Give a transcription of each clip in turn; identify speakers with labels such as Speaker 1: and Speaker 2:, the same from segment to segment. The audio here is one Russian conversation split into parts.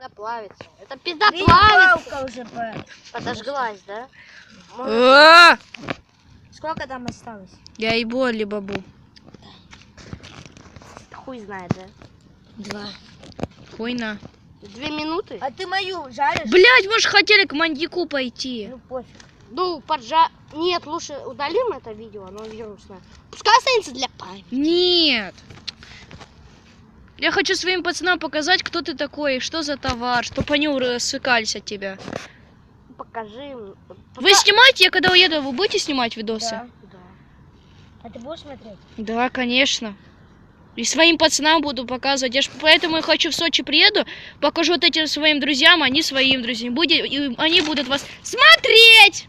Speaker 1: Плавится. Это пизда плавится.
Speaker 2: Уже
Speaker 1: подожглась, да?
Speaker 2: Сколько там осталось?
Speaker 3: Я ебу Алибабу.
Speaker 1: Хуй знает, да?
Speaker 2: 2.
Speaker 3: Хуйна.
Speaker 1: 2 минуты?
Speaker 2: А ты мою жаришь?
Speaker 3: Блять, мы же хотели к мандику пойти.
Speaker 2: Ну пофиг.
Speaker 1: Ну, Нет, лучше удалим это видео, оно вирусное. Пускай останется для памяти.
Speaker 3: Нет. Я хочу своим пацанам показать, кто ты такой, что за товар, чтобы они рассыкались от тебя.
Speaker 1: Покажи им.
Speaker 3: Вы снимаете, я когда уеду, вы будете снимать видосы?
Speaker 2: Да.
Speaker 1: Да.
Speaker 2: А ты будешь смотреть?
Speaker 3: Да, конечно. И своим пацанам буду показывать. Я ж поэтому и хочу в Сочи приеду, покажу вот этим своим друзьям, они своим друзьям. И они будут вас смотреть!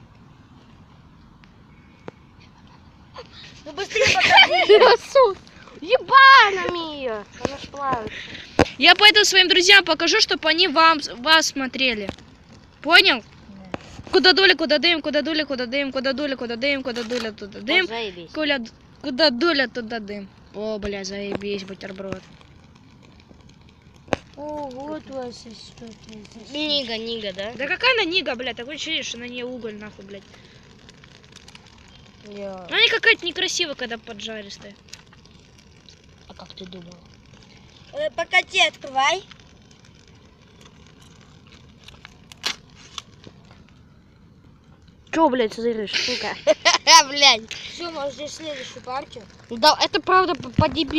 Speaker 2: Ну быстрее покажи.
Speaker 1: Ебанами ее! Она ж плавится.
Speaker 3: Я поэтому своим друзьям покажу, чтобы они вас смотрели. Понял? Куда дуля, куда дым, куда дуля, куда дым, куда дуля, куда дым, куда дуля, туда дым.
Speaker 1: Заебись.
Speaker 3: Куда дуля, туда дым. О, бля, заебись, бутерброд.
Speaker 2: О, вот у вас что-то.
Speaker 1: Нига, да?
Speaker 3: Да какая она нига, блядь, такое ощущение, что на ней уголь, нахуй, блядь. Она какая-то некрасивая, когда поджаристая.
Speaker 1: А как ты думал?
Speaker 2: Покати, открывай.
Speaker 1: Чё, блядь, зыришь, сука? Блядь.
Speaker 2: Все, можешь здесь следующую партию.
Speaker 1: Да, это правда по дебилу.